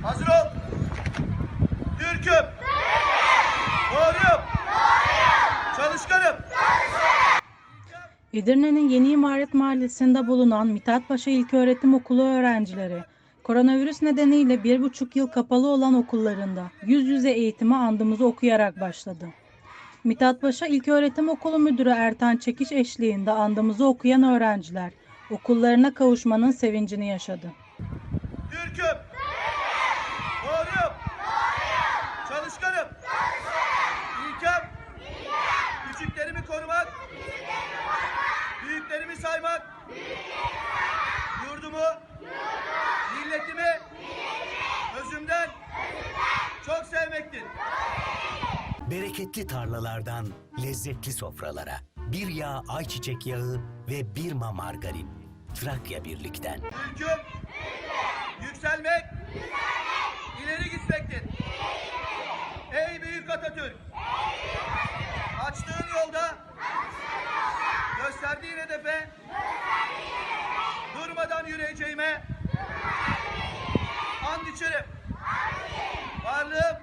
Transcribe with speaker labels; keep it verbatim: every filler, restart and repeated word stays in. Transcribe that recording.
Speaker 1: Hazır ol. Türk'üm. Doğruyum. Çalışkanım.
Speaker 2: Edirne'nin Yeni İmaret Mahallesi'nde bulunan Mithatpaşa İlköğretim Okulu öğrencileri, koronavirüs nedeniyle bir buçuk yıl kapalı olan okullarında yüz yüze eğitime andımızı okuyarak başladı. Mithatpaşa İlköğretim Okulu Müdürü Ertan Çekiş eşliğinde andımızı okuyan öğrenciler, okullarına kavuşmanın sevincini yaşadı.
Speaker 1: Türk'üm. Doğruyum. Çalışkanım. İlkem. Küçüklerimi korumak. Büyüklerimi saymak. Yurdumu. Milletimi. Özümden. Çok sevmektir.
Speaker 3: Bereketli tarlalardan lezzetli sofralara, bir yağ ayçiçek yağı ve bir ma margarin. Trakya Birlik'ten.
Speaker 1: Türk'üm. Yükselmek. İleri gitmektir. Ey büyük Atatürk. Açtığın yolda. Gösterdiğin hedefe. Durmadan yürüyeceğime. And içerim. Varlığım.